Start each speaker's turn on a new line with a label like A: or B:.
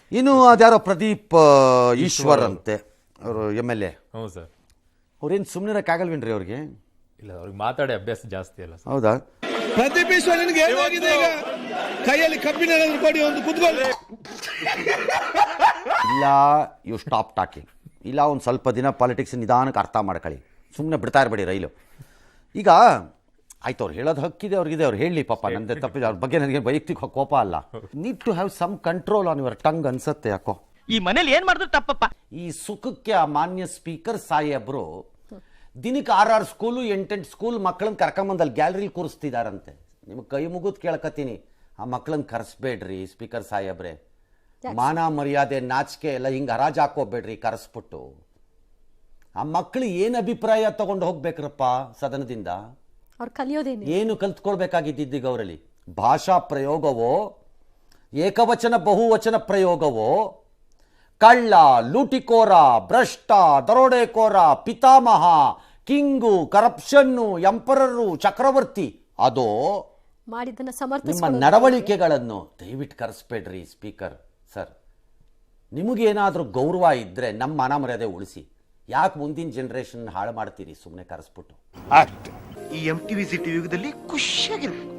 A: ಇನ್ನು ಅದ್ಯಾರೋ ಪ್ರದೀಪ್ ಈಶ್ವರ್ ಅಂತೆ ಅವರು MLA.
B: ಹೌದು ಸರ್.
A: ಅವ್ರೇನು ಸುಮ್ಮನಿರಕ್ಕಾಗಲ್ವೇನ್ರಿ ಅವ್ರಿಗೆ?
B: ಇಲ್ಲ, ಅವ್ರಿಗೆ ಮಾತಾಡಿ ಅಭ್ಯಾಸ ಜಾಸ್ತಿ ಅಲ್ಲ ಸರ್.
A: ಹೌದಾ?
C: ಪ್ರದೀಪ್ ಈಶ್ವರನಿಗೆ ಏನಾಗಿದೆ ಈಗ? ಕೈಯಲ್ಲಿ ಕಬ್ಬಿನ ಕೊಡಿ, ಒಂದು ಕುತ್ಕೊಳ್ಳಿ.
A: ಇಲ್ಲ, ಯು ಸ್ಟಾಪ್ ಟಾಕಿಂಗ್. ಇಲ್ಲ, ಒಂದು ಸ್ವಲ್ಪ ದಿನ ಪಾಲಿಟಿಕ್ಸ್ ನಿಧಾನಕ್ಕೆ ಅರ್ಥ ಮಾಡ್ಕೊಳ್ಳಿ. ಸುಮ್ಮನೆ ಬಿಡ್ತಾ ಇರಬೇಡಿ ರೈಲು. ಈಗ ಆಯ್ತು, ಅವ್ರು ಹೇಳೋದು ಹಕ್ಕಿದೆ, ಅವ್ರಿಗಿದೆ, ಅವ್ರು ಹೇಳಲಿ ಪಾಪ, ನಂದೆ ತಪ್ಪಿದೆ. ಅವ್ರ ಬಗ್ಗೆ ನನಗೆ ವೈಯಕ್ತಿಕ ಕೋಪ ಅಲ್ಲ. Need to have some control on your tongue ಅನ್ಸತ್ತೆ. ಯಾಕೋ
D: ಈ ಮನೇಲಿ ಏನ್ ಮಾಡಿದ್ರು ತಪ್ಪಪ್ಪ.
A: ಈ ಸುಖಕ್ಕೆ ಆ ಮಾನ್ಯ ಸ್ಪೀಕರ್ ಸಾಹೇಬ್ರು ದಿನಕ್ಕೆ 6 ಸ್ಕೂಲು 8 ಸ್ಕೂಲ್ ಮಕ್ಕಳನ್ನ ಕರ್ಕೊಂಬಂದು ಅಲ್ಲಿ ಗ್ಯಾಲರಿಲಿ ಕೂರಿಸ್ತಿದಾರಂತೆ. ನಿಮ್ಗೆ ಕೈ ಮುಗಿದು ಕೇಳ್ಕತ್ತೀನಿ, ಆ ಮಕ್ಕಳನ್ನ ಕರೆಸ್ಬೇಡ್ರಿ ಸ್ಪೀಕರ್ ಸಾಹೇಬ್ರೆ. ಮಾನ ಮರ್ಯಾದೆ ನಾಚಿಕೆ ಎಲ್ಲ ಹಿಂಗೆ ಹರಾಜು ಹಾಕೋಬೇಡ್ರಿ ಕರೆಸ್ಬಿಟ್ಟು. ಆ ಮಕ್ಕಳು ಏನು ಅಭಿಪ್ರಾಯ ತಗೊಂಡು ಹೋಗ್ಬೇಕ್ರಪ್ಪ ಸದನದಿಂದ?
E: ಅವ್ರು ಕಲಿಯೋದೇನು?
A: ಏನು ಕಲ್ತ್ಕೊಳ್ಬೇಕಾಗಿದ್ದೀಗ ಅವರಲ್ಲಿ? ಭಾಷಾ ಪ್ರಯೋಗವೋ, ಏಕವಚನ ಬಹುವಚನ ಪ್ರಯೋಗವೋ, ಕಳ್ಳ, ಲೂಟಿಕೋರ, ಭ್ರಷ್ಟ, ದರೋಡೆಕೋರ, ಪಿತಾಮಹ, ಕಿಂಗು, ಕರಪ್ಷನ್ನು, ಎಂಪರರು, ಚಕ್ರವರ್ತಿ, ಅದೋ
E: ಮಾಡಿದ್ದನ್ನ
A: ನಿಮ್ಮ
E: ಸಮರ್ಥಿಸಿಕೊಳ್ಳೋದು.
A: ನಡವಳಿಕೆಗಳನ್ನು ದಯವಿಟ್ಟು ಕರೆಸ್ಬೇಡ್ರಿ ಸ್ಪೀಕರ್ ಸರ್. ನಿಮಗೇನಾದರೂ ಗೌರವ ಇದ್ದರೆ ನಮ್ಮ ಮಾನ ಮರ್ಯಾದೆ ಉಳಿಸಿ. ಯಾಕೆ ಮುಂದಿನ ಜನರೇಷನ್ ಹಾಳು ಮಾಡ್ತೀರಿ ಸುಮ್ಮನೆ ಕರೆಸ್ಬಿಟ್ಟು?
D: ಈ MTV ಸಿಟಿ ಯುಗದಲ್ಲಿ ಖುಷಿಯಾಗಿರ್ಬೇಕು.